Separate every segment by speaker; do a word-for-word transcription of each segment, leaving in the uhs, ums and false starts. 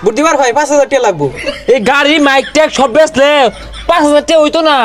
Speaker 1: বুদ্ধিবার ভাই পাঁচ হাজার টাকা লাগবো।
Speaker 2: এই গাড়ি মাইক ট্যাগ সব বেচলে পাঁচ হাজার টাকা হইতো না।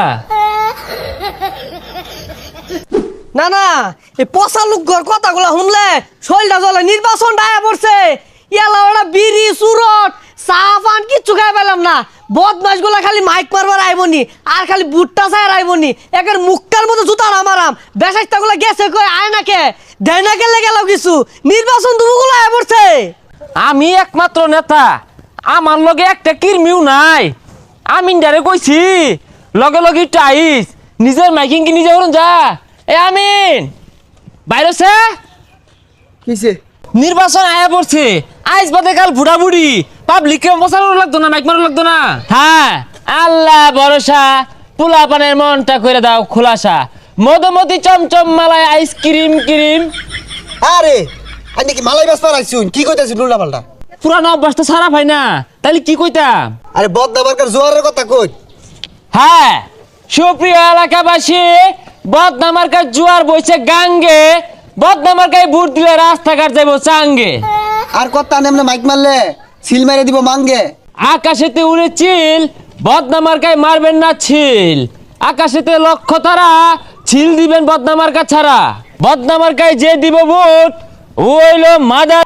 Speaker 3: না না এই পচা লোকর কথাগুলো শুনলে শরীরটা জ্বলে। নির্বাচন ডায়া পড়ছে, ইয়ালা ওরা বিড়ি সুরট চা পান কিচ্ছু খাই পেলাম না। বদমাস গুলা খালি মাইক মারবার আইবনি আর খালি বুটটা চাই আইবনি। একের মুক্কার মতো জুতা না মারাম। বেসাইটা গুলা গেছে কই আয় নাকে দেয় না গেলে গেল কিছু। নির্বাচন দুগুলো আয় পড়ছে।
Speaker 2: আমি একমাত্র নেতা, আমার লগে একটা কিরমিও নাই। আমি ডারে কইছি লগে লগে টাইস নিজের মাইকিং কি নিজে করুন যা। এ আমিন বাইরেছে
Speaker 1: কিসে
Speaker 2: নির্বাচন আয়া পড়ছে। আইস বাদে কাল বুড়া বুড়ি পাবলিককে বসানো লাগতো না, মাইক মারো লাগতো না। হ্যাঁ আল্লাহ ভরসা, পোলা পানের মনটা করে দাও খোলাসা। মধুমতি চমচম মালায় আইসক্রিম ক্রিম।
Speaker 1: আরে আমি কি মালাই ব্যস্ত রাখছুন কি কইতাছিস উল্টা পাল্টা?
Speaker 2: পুরানো অভ্যাস তো সারা ভাই না, তাহলে কি কইতাম?
Speaker 1: আরে বদনামার্কার জোয়ারের কথা কই।
Speaker 2: হ্যাঁ সুপ্রিয় এলাকাবাসী, বদনামার্কার জোয়ার বইছে গাঙ্গে। বদনামার্কায় ভোট দিলে রাস্তাঘাট যাইব চাঙ্গে।
Speaker 1: আর কথা নেমনে মাইক মারলে সিল মেরে দিব মাঙ্গে।
Speaker 2: আকাশেতে উড়ে চিল, বদনামার্কায় মারবেন না ছিল। আকাশেতে লক্ষ্য তারা, ছিল দিবেন বদনামার্কা ছাড়া। বদনামার্কায় যে দিব ভোট ওইলো মাদার।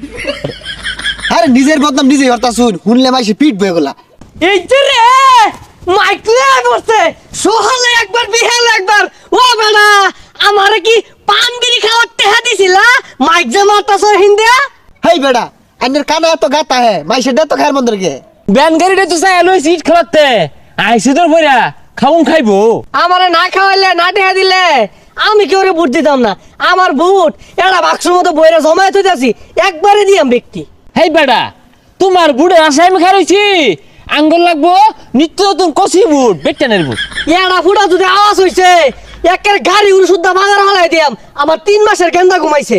Speaker 1: আরে নিজের বদনাম নিজেই হরতা শুন, শুনলে মাইসে পিট বয়ে গলা।
Speaker 3: এই যে রে মাইক লয়ে পড়ছে, সোহালে একবার বিহালে একবার। ও বেটা আমারে কি পান বিড়ি খাওয়ার টেহা দিছিলা? মাইক যে মারতাছ হিন্দিয়া।
Speaker 1: হেই বেড়া আইনের কানে এত গাতা হে মাইসে দে তো খায়ের মন্দিরকে।
Speaker 2: ব্যান গাড়িটা তো চাই এলো সিট খেলাতে আইসি তোর বইরা খাউন খাইবো।
Speaker 3: আমারে না খাওয়াইলে না টেহা দিলে আমি কি ওরে ভোট দিতাম না। আমার ভোট এটা বাক্সের মতো বইরা জমায়েত হইতাছি, একবারে দিয়াম ব্যক্তি।
Speaker 2: হেই বেটা তোমার বুড়ে আশায় আমি খারইছি। আঙ্গুল লাগবো নিত্য নতুন কষি বুট, বেটানের বুট।
Speaker 3: এড়া ফুটা যদি আওয়াজ হইছে একের গাড়ি উড়ে শুদ্ধা বাজার হলাই দিয়াম। আমার তিন মাসের গেন্দা ঘুমাইছে।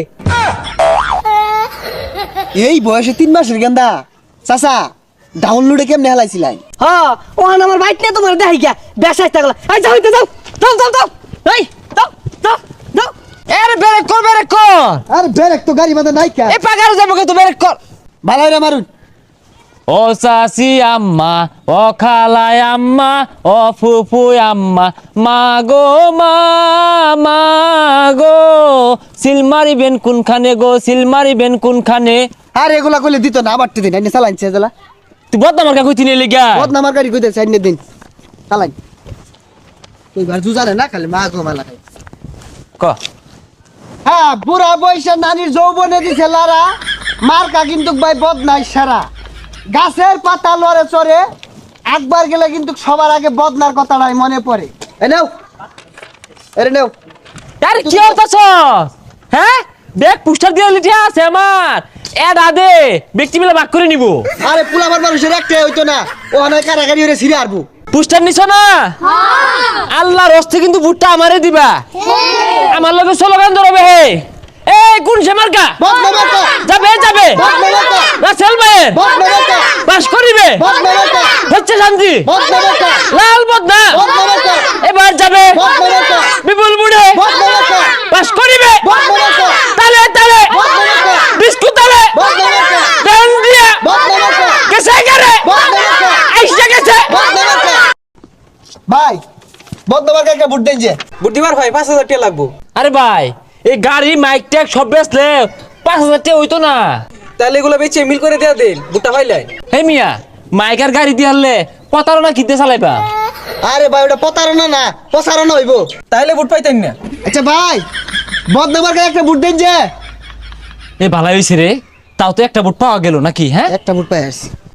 Speaker 1: এই বয়সে তিন মাসের গেন্দা চাচা ডাউনলোডে কেমনে হেলাইছিলাই?
Speaker 3: হ্যাঁ ওখানে আমার বাইক নিয়ে তোমার দেখাই গিয়া বেসাই থাকলা। এই যাও হইতে যাও যাও যাও যাও এই যাও যাও যাও।
Speaker 2: এর বেরেক কর বেরেক কর।
Speaker 1: আরে ব্রেক তো গাড়ি মাঝে নাই কা।
Speaker 2: এ পাগার যাবো কিন্তু বেরেক কর।
Speaker 1: ভালো রে মারুন।
Speaker 2: ও চাচি আম্মা, ও খালাই আম্মা, ও ফুফু আম্মা, মা গো মা মা গো সিল মারিবেন কোনখানে গো, সিল মারিবেন কোনখানে।
Speaker 1: আর এগুলা কইলে দিত না আবার দিন আইনে চালাইছে জেলা।
Speaker 2: তুই বদনামার কা কইতি নিয়ে গা।
Speaker 1: বদনামার গাড়ি কইতে সাইনে দিন চালাই। তুই ঘর জুজারে না খালি মা গো মালা খাই।
Speaker 2: ক
Speaker 1: হ্যাঁ বুড়া বয়সে নানির যৌবনে দিছে লারা, মার্কা কিন্তু ভাই বদনাই সারা। গাছের পাতা লড়ে চড়ে একবার গেলে কিন্তু সবার আগে বদনার কথাটাই মনে পড়ে। এ নেও এরে নেও।
Speaker 2: আরে কি হতাছ? হ্যাঁ দেখ পুস্টার দিয়ে লিখে আছে আমার এড আদে ব্যক্তি মিলে ভাগ করে নিব।
Speaker 1: আরে পুলাবার মানুষের একটাই হইতো না, ও অনেক কারাগারি হয়ে ছিঁড়ে আরবো।
Speaker 2: পুস্টার নিছ না? আল্লাহর হস্তে কিন্তু ভুট্টা আমারে দিবা। আমার লগে স্লোগান ধরবে হে এই কোন সে মার্কা
Speaker 1: বদনা মার্কা
Speaker 2: যাবে যাবে
Speaker 1: বদনা মার্কা
Speaker 2: রাসেল ভাই
Speaker 1: বদনা মার্কা
Speaker 2: পাস করিবে
Speaker 1: বদনা মার্কা
Speaker 2: হচ্ছে শান্তি
Speaker 1: বদনা মার্কা
Speaker 2: লাল বদনা
Speaker 1: বদনা মার্কা
Speaker 2: এবার যাবে
Speaker 1: বদনা মার্কা
Speaker 2: বিপুল বুড়ে
Speaker 1: বদনা মার্কা
Speaker 2: পাস করিবে
Speaker 1: বদনা মার্কা
Speaker 2: তালে তালে
Speaker 1: বদনা মার্কা
Speaker 2: বিস্কুট তালে
Speaker 1: বদনা মার্কা
Speaker 2: দেন দিয়া
Speaker 1: বদনা মার্কা
Speaker 2: গেছে গেরে
Speaker 1: বদনা মার্কা
Speaker 2: আইসা গেছে।
Speaker 1: বদনা মার্কা ভাই বদনা মার্কা একটা বুট দেন যে।
Speaker 4: বুদ্ধিবার ভাই পাঁচ হাজার টাকা লাগবো।
Speaker 2: আরে ভাই এই গাড়ি মাইক ট্যাগ সব বেচলে পাঁচ হাজার টাকা হইতো না।
Speaker 4: তাহলে এগুলো বেচে মিল করে দেয়া দেন বুটটা পাইলাই।
Speaker 2: হে মিয়া মাইকার গাড়ি দিয়ে হারলে প্রতারণা কিনতে চালাইবা।
Speaker 1: আরে ভাই ওটা প্রতারণা না প্রসারণা হইব।
Speaker 4: তাহলে বুট পাইতেন না।
Speaker 1: আচ্ছা ভাই বদনা মার্কা একটা বুট দেন যে।
Speaker 2: এ ভালো হয়েছে রে, তাও তো একটা বুট পাওয়া গেল নাকি? হ্যাঁ
Speaker 1: একটা বুট পাই আসছি।